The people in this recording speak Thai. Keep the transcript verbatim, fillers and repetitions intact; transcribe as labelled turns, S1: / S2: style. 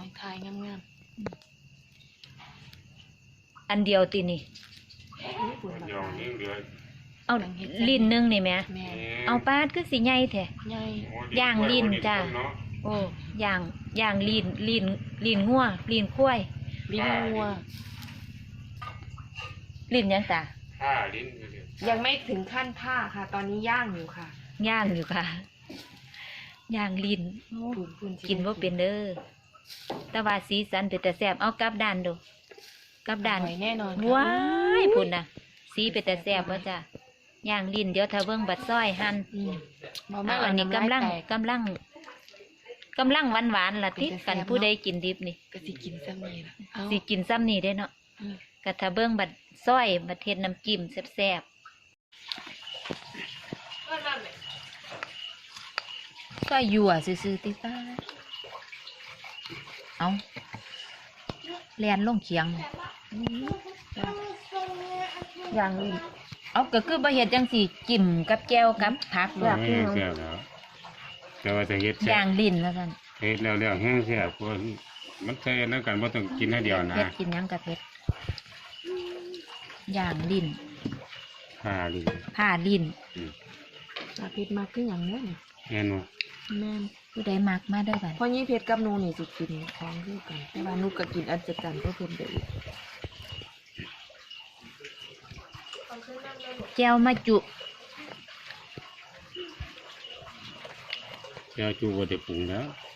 S1: ทายงาม
S2: อันเดียวตีนี่
S1: ๆปุ่นแบบไหน
S2: เอาลิ้นหนึงนี่แม่
S1: แม่
S2: เอาปาดคือสิใหญ่แท้
S1: ใหญ่
S2: ย่างลิ้นจ้ะโอ้ย่างย่างลิ้นลิ้นลิ้นงัวลิ้นควาย
S1: ลิ้นงัว
S2: ลิ้นหยังจ้ะ
S3: ผ้าลิ้น
S1: ยังไม่ถึงขั้นผ้าค่ะ ตอนนี้ย่างอยู่ค่ะ
S2: ย่างอยู่ค่ะย่างลิ้น
S1: ปุ่นปุ่น
S2: กินว่าเป็นเด้อแต่ว่าสีสันเป็นแต่แซ่บเอากลับด้านดูกลับด้าน
S1: อร่อยแน่นอน
S2: ว้ายพุ่นน่ะ สีเป็นแต่แซ่บว่าจ้ะย่างลิ้นเดี๋ยวถ้าเบิ่งบัดซอยหั่น
S1: อืมบ่
S2: เอา
S1: แม่
S2: อันนี้กำลังกำลังกำลังหวานหวานๆล่ะติกันผู้ใดกินดิบนี่
S1: ก็สิกินซ้ำนี่ล่ะเอา
S2: สิกินซ้ำนี่ได้เนาะ
S1: อืม
S2: ก็ถ้าเบิ่งบัดซอยบัดเฮ็ดน้ำจิ้มแซ่บๆซอยยั่วซื่อๆติป้าเอาแล่นลงเคียง
S1: ย่างลิ้น
S2: เอาก็คือบ่เฮ็ดจังสี่จิ้มกับแก้วกับผัก
S3: แห้งแซ่บแล้วแต่ว่าจะเฮ็ดแซ่
S2: ย่า
S3: บ
S2: งลิ้นแล้วกัน
S3: เฮ็ดแล้วแล้วแห้งแซ่บเพราะมันใส่อันนั้นกันบ่ต้องกินให้เดียวนะ
S2: เผ็ดกินหยังกับเผ็ดย่างลิ้น
S3: ผ้าลิ้น
S2: ผ้าลิ้น
S3: อืม
S1: อาเพชรมากขึ้นอย่างเนี้ยนี่
S3: แม่นบ่
S1: แม่น
S2: ผู้ใดมักมาได้อบัด
S1: เพราะยี่เพชรกับหนูนี่สิกินของคือกัน แต่ว่าหนูก็กินอันจัดกันก็เพิ่มได้อีก
S2: แก้วมาจุ
S3: แก้วจูบ่ได้ปรุงแล้ว